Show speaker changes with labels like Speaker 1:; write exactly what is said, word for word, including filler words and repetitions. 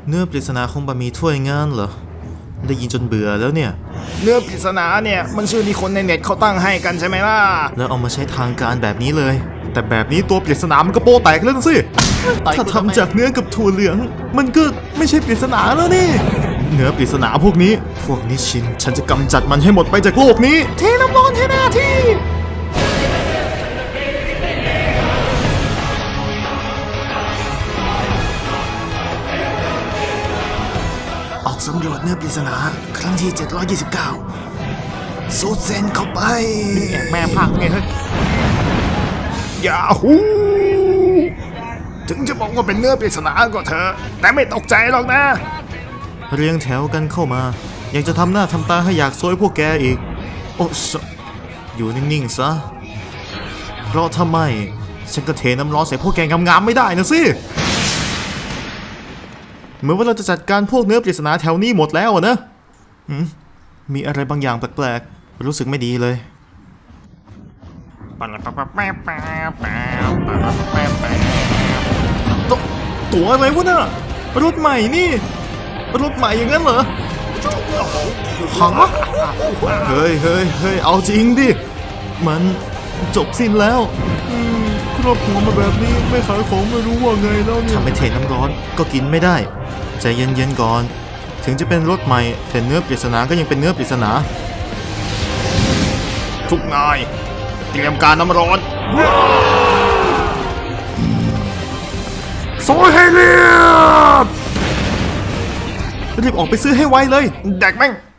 Speaker 1: เนื้อปริศนาคงบะหมี่ถ้วยงานเหรอได้ยินจนเบื่อแล้วเนี่ย
Speaker 2: เนื้อปริศนาเนี่ยมันชื่อที่คนในเน็ตเขาตั้งให้กันใช่ไหมล่ะ
Speaker 1: แล้วเอามาใช้ทางการแบบนี้เลยแต่แบบนี้ตัวปริศนามันก็โปแตกแล้วสิถ้าทำจากเนื้อกับถั่วเหลืองมันก็ไม่ใช่ปริศนาแล้วนี่เนื้อปริศนาพวกนี้พวกนิชินฉันจะกำจัดมันให้หมดไปจากโลกนี้เทน้ำร้อนให้หน้าที่
Speaker 2: ออกสำรวจเนื้อปริศนาครั้งที่เจ็ดร้อยยี่สิบเก้าสูดเซนเข้าไปแม่พังไงเฮ้ยยาฮูถึงจะบอกว่าเป็นเนื้อปริศนาก็เถอะแต่ไม่ตกใจหรอกนะ
Speaker 1: เรียงแถวกันเข้ามาอยากจะทำหน้าทำตาให้อยากซวยพวกแกอีกโอ้อยู่นิ่งๆซะเพราะถ้าไม่ฉันก็เทน้ำร้อนใส่พวกแกงามๆไม่ได้นะสิเหมือนว่าเราจะจัดการพวกเนื้อปริศนาแถวนี้หมดแล้วนะมีอะไรบางอย่างแปลกๆรู้สึกไม่ดีเลยตตัวอะไรวะน่ะรถใหม่นี่รถใหม่อย่างนั้นเหรอฮะเฮ้ยเฮ้ยเฮ้ยเอาจริงดิมันจบสิ้นแล้วครอบครัวมาแบบนี้ไม่ขายของไม่รู้ว่าไงแล้วเนี่ยทำไม่เทน้ำร้อนก็กินไม่ได้ใจเย็นๆก่อนถึงจะเป็นรถใหม่แต่เนื้อปริศนาก็ยังเป็นเนื้อปริศนา
Speaker 2: ทุกนายเตรียมการน้ำร้อน
Speaker 1: โซยให้เรียบรีบออกไปซื้อให้ไวเลย
Speaker 2: แดกแม่ง